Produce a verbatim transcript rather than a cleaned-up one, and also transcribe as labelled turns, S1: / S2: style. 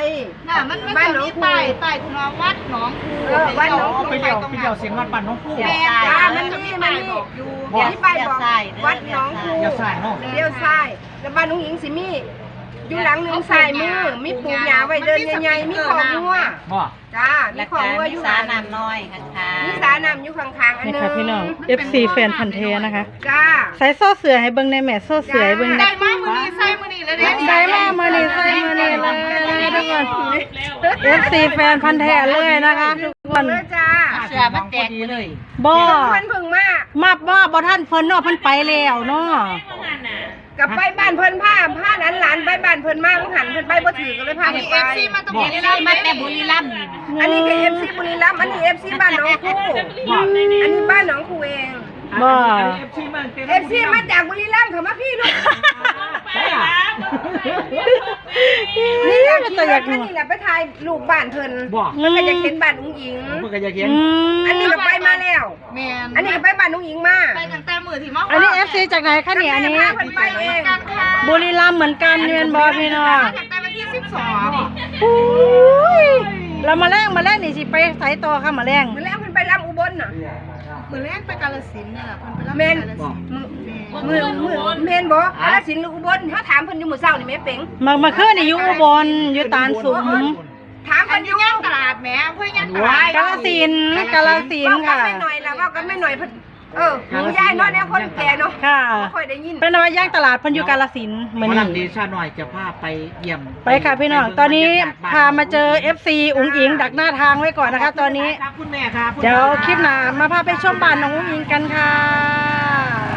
S1: น่ะมันมันจะมีป้ายป้ายคุณวัดหนองคูวัดหนองคูไปเดี่ยวไปเดี่ยวเสียงวัดบ้านน้องคูแม่จ้ามันมีมันบอกอยู่มีป้ายบอกวัดหนองคูเดี่ยวซ้ายเนาะเดี่ยวซ้ายแล้วบ้านน้องหญิงสิมีอยู่หลังหนึ่งสายมือมีปูหยาไว้เดินใหญ่ๆมีของงัวจ้ามีของงัวอยู่สาน้ำน้อยข้างๆมีสาน้ำอยู่ข้างๆอันนึงนี่ค่ะพี่น้อง เอฟ ซี แฟนพันธุ์แท้นะคะจ้าใส่โซ่เสือให้เบิ่งในแม่โซ่เสือให้เบิ่งได้มามื้อนี้ใส่มื้อนี้แล้วเด้ใส่มามื้อนี้ใส่มื้อนี้เลยทุกคน เอฟ ซี แฟนพันธุ์แท้เลยนะคะทุกคนจ้าเสือมันแตกเลยบ่มันเพิ่งมามาบ่บ่ท่านเพิ่นเนาะเพิ่นไปแล้วเนาะกับไปบ้านเพิ่นผ้าผ้านั้นหลานไปบ้านเพิ่นมาหันเพิ่นไปบ่ถือก็เลยพาไปเอฟซีมาตะบุรีรัมย์มาแต่บุรีรัมย์อันนี้คือเอฟซีบุรีรัมย์อันนี้เอฟซีบ้านหนองคูอันนี้บ้านหนองคูเองบ่เอฟซีมาจากบุรีรัมย์เขามาพี่ลูกนี่แหละตัวอยากนี่แหละไปถ่ายรูปบ้านเพิ่นแล้วก็อยากเห็นบ้านอุ้งอิงเพิ่นก็อยากเห็นอันนี้ก็ไปมาแล้วแม่นอันนี้ก็ไปบ้านอุ้งอิงมาไปตั้งแต่มื้อที่มาอันนี้ เอฟ ซี จากไหนคะเนี่ยอันนี้บุรีรัมย์เหมือนกันแม่นบ่พี่น้องตั้งแต่วันที่สิบสองอุ้ยเรามาแรงมาแรงนี่สิไปไสต่อค่ะมาแรงมาแรงเพิ่นไปลำอุบลน่ะมื้อแรกไปกาฬสินธุ์นี่ล่ะเพิ่นไปลำกาฬสินธุ์มื้อมื้อแม่นบ่กาฬสินธุ์หรืออุบลถ้าถามเพิ่นอยู่มื้อเช้านี่แม่เป๋งมามาคืนนี่อยู่อุบลอยู่ตาลสุมถามเพิ่นอยู่ย่างตลาดแหมเพิ่นย่างตลาดกาฬสินธุ์กาฬสินธุ์ค่ะไม่หน่อยล่ะว่ากันไม่หน่อยเพิ่นเออหนูยายเนาะแนวคนแก่เนาะค่ะบ่ค่อยได้ยินเป็นว่าย่างตลาดเพิ่นอยู่กาฬสินธุ์มื้อนี้ดีชาหน่อยจะพาไปเยี่ยมไปค่ะพี่น้องตอนนี้พามาเจอ เอฟ ซี อุ๋งอิงดักหน้าทางไว้ก่อนนะคะตอนนี้เดี๋ยวคลิปหน้ามาพาไปชมบ้านน้องอุ๋งอิงกันค่ะ